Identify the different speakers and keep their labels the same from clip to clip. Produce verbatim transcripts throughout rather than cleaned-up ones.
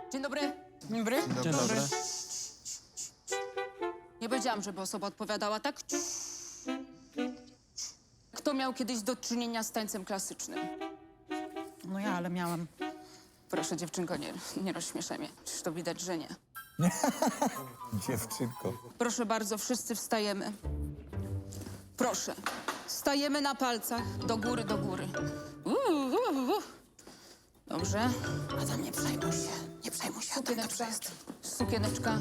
Speaker 1: Dzień dobry.
Speaker 2: Dzień dobry.
Speaker 3: Dzień dobry.
Speaker 1: Nie powiedziałam, żeby osoba odpowiadała, tak? Kto miał kiedyś do czynienia z tańcem klasycznym?
Speaker 2: No ja, ale miałam.
Speaker 1: Proszę, dziewczynko, nie, nie rozśmieszaj mnie. Przecież to widać, że nie.
Speaker 3: Dziewczynko.
Speaker 1: Proszę bardzo, wszyscy wstajemy. Proszę. Stajemy na palcach. Do góry, do góry. Uuu, uuu, uuu. Dobrze. Adam, nie przejmuj się. Nie przejmuj się. Adam, dobrze jest. Sukieneczka.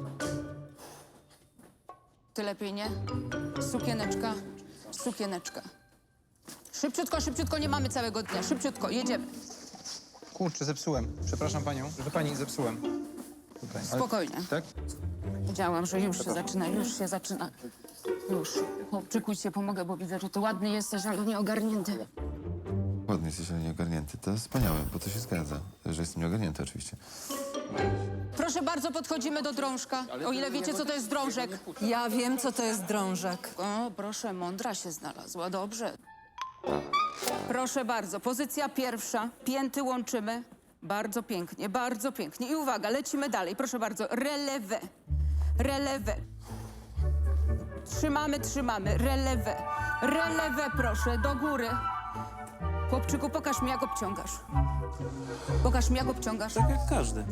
Speaker 1: Ty lepiej, nie? Sukieneczka. Sukieneczka. Szybciutko, szybciutko, nie mamy całego dnia. Szybciutko, jedziemy.
Speaker 3: Kurczę, zepsułem. Przepraszam panią. Proszę pani, zepsułem. Tutaj. Ale-
Speaker 1: Spokojnie.
Speaker 3: Tak?
Speaker 1: Wiedziałam, że już się zaczyna, już się zaczyna. Już. Chłopczyku, ci pomogę, bo widzę, że ty ładny jesteś, ale nieogarnięty.
Speaker 4: Ładnie jesteś, ale nieogarnięty. To jest wspaniałe, bo to się zgadza, że jestem nieogarnięty oczywiście.
Speaker 1: Proszę bardzo, podchodzimy do drążka. O ile wiecie, co to jest drążek.
Speaker 5: Ja wiem, co to jest drążek.
Speaker 1: O, proszę, mądra się znalazła, dobrze. Proszę bardzo, pozycja pierwsza. Pięty łączymy. Bardzo pięknie, bardzo pięknie. I uwaga, lecimy dalej. Proszę bardzo, relewę. Relewę. Trzymamy, trzymamy. Relewę. Relewę, proszę, do góry. Chłopczyku, pokaż mi, jak obciągasz. Pokaż mi, jak obciągasz.
Speaker 6: Tak jak każdy.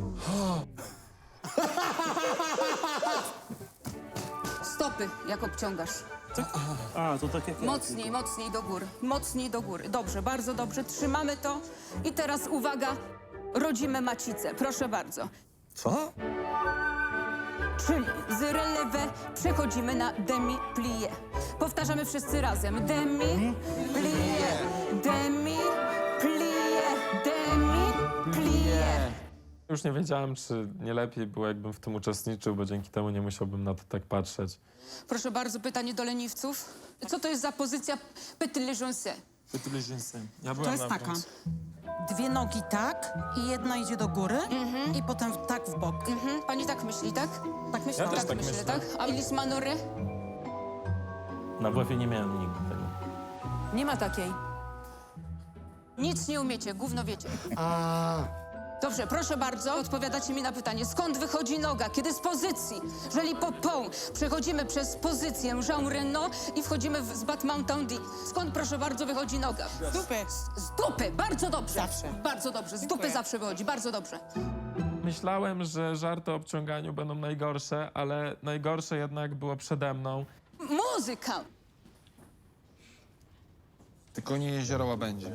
Speaker 1: Stopy, jak obciągasz.
Speaker 6: A, to tak jak ja.
Speaker 1: Mocniej, mocniej do góry. Mocniej do góry. Dobrze, bardzo dobrze. Trzymamy to. I teraz uwaga, rodzimy macicę. Proszę bardzo.
Speaker 3: Co?
Speaker 1: Czyli z relewę przechodzimy na demi-plié. Powtarzamy wszyscy razem. Demi-plié, demi-plié, demi-plié.
Speaker 7: Już nie wiedziałem, czy nie lepiej było, jakbym w tym uczestniczył, bo dzięki temu nie musiałbym na to tak patrzeć.
Speaker 1: Proszę bardzo, pytanie do leniwców. Co to jest za pozycja petit le jonce?
Speaker 7: Ja
Speaker 2: To jest taka. Dwie nogi tak i jedna idzie do góry i potem tak w bok.
Speaker 1: Mhm. Pani tak myśli, tak?
Speaker 2: Tak myślę.
Speaker 7: też tak
Speaker 1: myślę,
Speaker 7: myślę.
Speaker 1: tak? A Elis Manore?
Speaker 6: Na WF-ie nie miałem nigdy tego.
Speaker 5: Nie ma takiej.
Speaker 1: Nic nie umiecie, gówno wiecie. Dobrze, proszę bardzo, odpowiadacie mi na pytanie. Skąd wychodzi noga? Kiedy z pozycji? Jeżeli po pą przechodzimy przez pozycję Jean Reno i wchodzimy w, z Bat Mountain D. Skąd, proszę bardzo, wychodzi noga?
Speaker 2: Z dupy.
Speaker 1: Z dupy, bardzo dobrze.
Speaker 2: Zawsze.
Speaker 1: Bardzo dobrze, z dupy zawsze wychodzi, bardzo dobrze.
Speaker 7: Myślałem, że żarty o obciąganiu będą najgorsze, ale najgorsze jednak było przede mną.
Speaker 1: Muzyka!
Speaker 3: Tylko nie jezioro Łabędzie.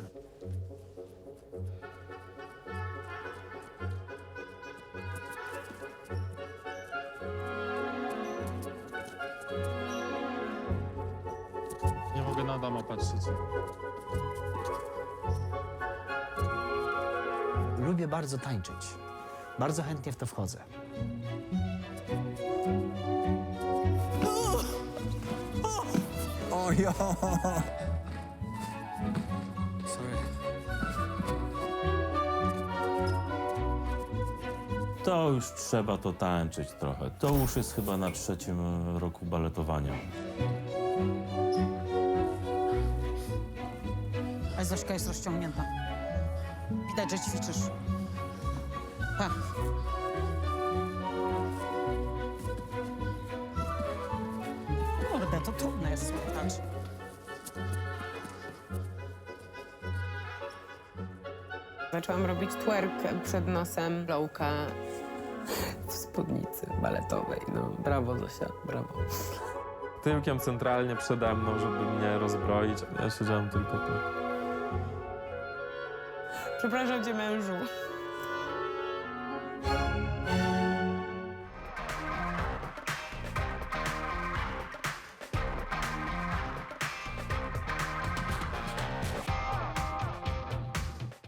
Speaker 7: Nie mogę na Adama patrzeć.
Speaker 8: Lubię bardzo tańczyć. Bardzo chętnie w to wchodzę.
Speaker 3: O ja! Sorry.
Speaker 6: To już trzeba to tańczyć trochę. To już jest chyba na trzecim e, roku baletowania.
Speaker 2: A Zośka jest rozciągnięta. Widać, że ćwiczysz. Pa. Kurde, to trudne jest słuchać.
Speaker 9: Zaczęłam robić twerk przed nosem, lowka w spódnicy baletowej. No, brawo Zosia, brawo.
Speaker 7: Tyłkiem centralnie przede mną, żeby mnie rozbroić. Ja siedziałem tylko tak.
Speaker 9: Przepraszam cię, mężu.